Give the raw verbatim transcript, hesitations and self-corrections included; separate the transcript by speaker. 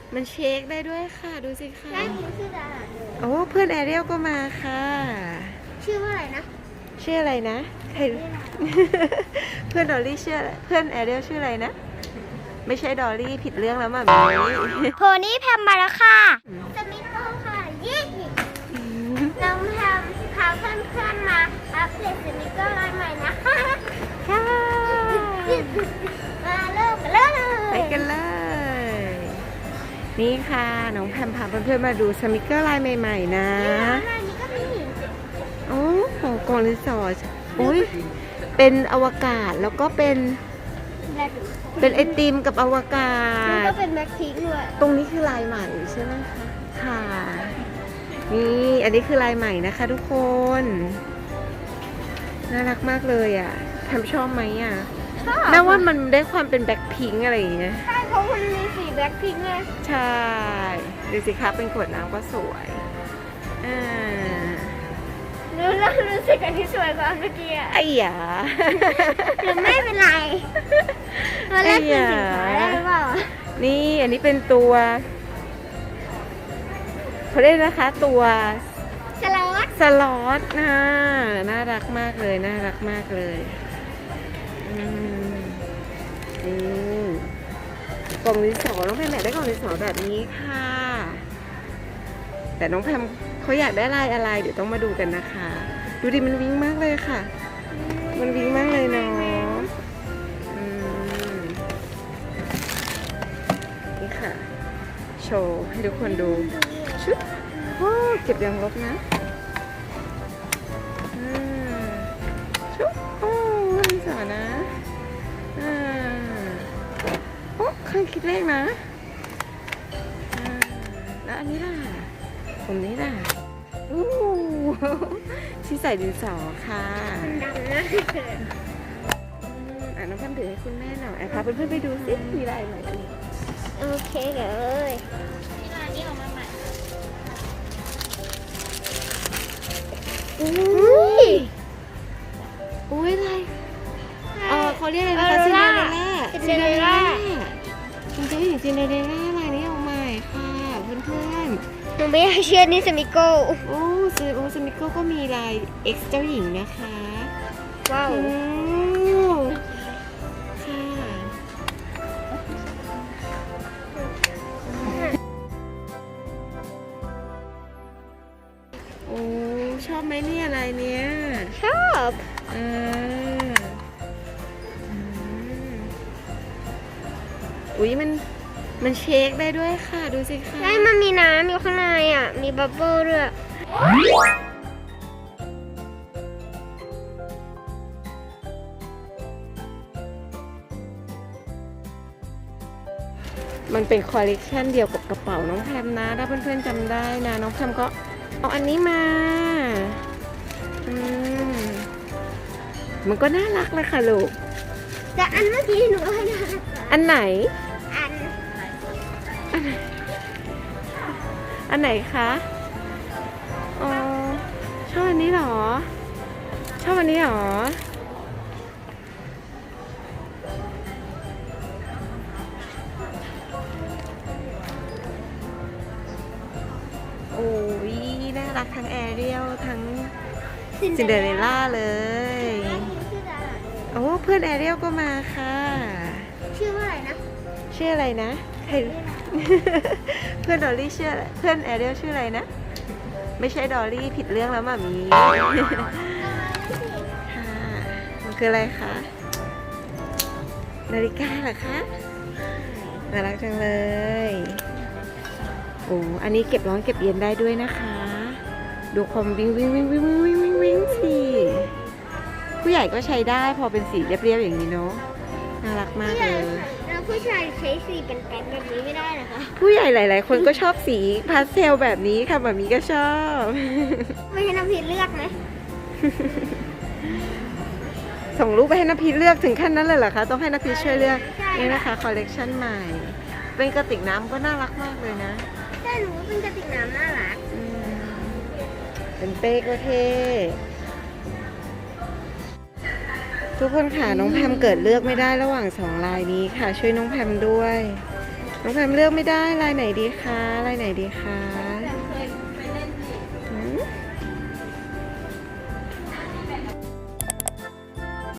Speaker 1: มันเชคได้ด้วยค่ะดูสิค่ะ
Speaker 2: ได้คุณชื่อดารา
Speaker 1: โอ้เพื่อนแอเรียลก็มาค่ะ
Speaker 2: ชื่อว่าอะไรนะ
Speaker 1: ชื่ออะไรนะใคร เพื่อนดอลลี่ชื่ออะไรเพื่อนแอเรียลชื่ออะไรนะ ไม่ใช่ดอลลี่ผิดเรื่องแล้วมั้ง
Speaker 2: โพนี่แพมมาแล้วค่ะสมิโก้ค่ะยี่น้องแพมพาเพื่อนๆมาอัปเดตสมิโก้รายใหม่นะคะ
Speaker 1: ค่ะ
Speaker 2: มาเริ่มกันเลย
Speaker 1: ไปกันเลย นี่ค่ะน้องแพมพาเพื่อนๆมาดูสมิเกอร์ลายใหม่ๆนะ
Speaker 2: รายนี้ก็มี
Speaker 1: โอ้โหกล่องรีสอร์ทอุ้ยเป็นอวกาศแล้วก็เป็น
Speaker 2: แบล็ค
Speaker 1: เป็นไอติมกับอวกา
Speaker 2: มัน
Speaker 1: ศ
Speaker 2: ก็เป็นแบล็คพิงค์ด้วย
Speaker 1: ตรงนี้คือลายใหม่ใช่ไหมคะ ค่ะ นี่อันนี้คือลายใหม่นะคะทุกคน น่ารักมากเลยอ่ะแพมชอบไหมอ่ะ
Speaker 2: ชอบ
Speaker 1: น่าว่ามันได้ความเป็นแบ็คพิงค์อะไรอย่างเงี้ย
Speaker 2: ใช่เพราะมันมีสีแบล็คพิงค์ไง
Speaker 1: ใช่ดูสิคะเป็นขวดน้ำก็สวย อ่า
Speaker 2: รู้แล้วรู้สึกอันที่สวยกว่าอันเมื่อกี้อะ
Speaker 1: ไอ้หยา
Speaker 2: หรือไม่เป็นไรเราแลกเป็นสินค้าได้หรือเปล่า
Speaker 1: นี่อันนี้เป็นตัวเขาเรียกนะคะ ตัว
Speaker 2: สล็อต
Speaker 1: สล็อตนะน่ารักมากเลยน่ารักมากเลยอืมนี่กล่องดินสอน้องแพมอยากได้กล่องดินสอแบบนี้ค่ะ แต่น้องแพมเขาอยากได้ลายอะไรเดี๋ยวต้องมาดูกันนะคะ ดูดิมันวิ้งมากเลยค่ะ มันวิ้งมากเลยเนาะอืมนี่ค่ะ โชว์ให้ทุกคนดูชุดโอ้เก็บยางลบนะอ่าชุดโอ้ดินสอนะอ่าโอ้เคยคิดเลขนะอ่าแล้วอันนี้ล่ะผมนี้ล่ะอู้ที่ใส่ดินสอค่ะ
Speaker 2: ดำนะ
Speaker 1: อืมอ่ะน้องแพมถือให้คุณแม่หน่อยอ่ะพาเพื่อนๆไปดูสิมีอะไรใหม่อีก
Speaker 2: โอเคเลยที่ร้านนี้ออกมาใหม่อุ้ย
Speaker 1: อุ้ยอะไรเออเขาเรียกอะไรนะคะ
Speaker 2: ออ
Speaker 1: ซิน
Speaker 2: โร
Speaker 1: เดอ
Speaker 2: รา
Speaker 1: เรลล่า
Speaker 2: ซินเดอเรลล่า
Speaker 1: คุณเจ้าหญิงซินเดอเรลล่าลายนี้ออกใหม่ค่ะเพื่อน
Speaker 2: หนูไม่อยากเชื่อนี่สมิโก้
Speaker 1: ๆโอ้ซิโอสมิโก้ก็มีลาย X เจ้าหญิงนะคะ
Speaker 2: ว้าว
Speaker 1: โอ้ค่ะโอ้ชอบไหมเนี่ยลายเนี้ย
Speaker 2: ชอบ
Speaker 1: อ่าอืมอุ๊ยมันมันเชคได้ด้วยค่ะดูสิค่ะ
Speaker 2: ได้มันมีน้ำอยู่ข้างในอ่ะ มีบับเบิ้ลด้วย
Speaker 1: มันเป็นคอลเลกชันเดียวกับกระเป๋าน้องแพมนะ ถ้าเพื่อนๆจำได้นะ น้องแพมก็เอาอันนี้มาอืมมันก็น่ารักเลยค่ะลูก
Speaker 2: แต่อันเมื่อกี้หนูให้นะ
Speaker 1: อันไหน
Speaker 2: อัน
Speaker 1: อันไหนคะอ๋อชอบอันนี้เหรอ ชอบอันนี้เหรอ โอ้ยน่ารักทั้งแอเรียลทั้งซินเดอเรลล่าเลย
Speaker 2: ชื่อดารา
Speaker 1: โอ้เพื่อนแอเรียลก็มาค่ะ
Speaker 2: ชื่อว่าอะไรนะ
Speaker 1: ชื่ออะไรนะใคร เพื่อนดอลลี่ชื่ออะไรเพื่อนแอเรียลชื่ออะไรนะ ไม่ใช่ดอลลี่ผิดเรื่องแล้วมามี ค่ะมันคืออะไรคะ นาฬิกาเหรอคะน่ารักจังเลย โอ้อันนี้เก็บร้อนเก็บเย็นได้ด้วยนะคะ ดูคอมวิ่งวิ่งวิ่งวิ่งวิ่งวิ่งวิ่งสิผู้ใหญ่ก็ใช้ได้พอเป็นสีเรียบๆอย่างนี้เนาะ น่ารักมากเลย
Speaker 2: แล้วผู้ชายใช้สีเป็นแป๊บแบบนี้ไม่ได้เหรอคะ
Speaker 1: ผู้ใหญ่หลาย ๆ คนก็ชอบสีพาสเทลแบบนี้ค่ะแบบนี้ก็ชอบ
Speaker 2: ไม่ให้น้ำพริกเลือกไหม
Speaker 1: ส่งรูปไปให้นภิษเลือกถึงขั้นนั้นเลยเหรอคะ ต้องให้นภิษช่วยเลือก
Speaker 2: ใช่
Speaker 1: นี่นะคะคอลเลกชันใหม่ เป็นกระติกน้ำก็น่ารักมากเลยนะ
Speaker 2: ใช่หนูว่าเป็นกระติกน้ำน่ารัก
Speaker 1: อืมเป็นเป้ก็เท่ทุกคนค่ะน้องแพมเกิดเลือกไม่ได้ระหว่างสองลายนี้ค่ะ ช่วยน้องแพมด้วย น้น้องแพมเลือกไม่ได้ลายไหนดีคะลายไหนดีคะ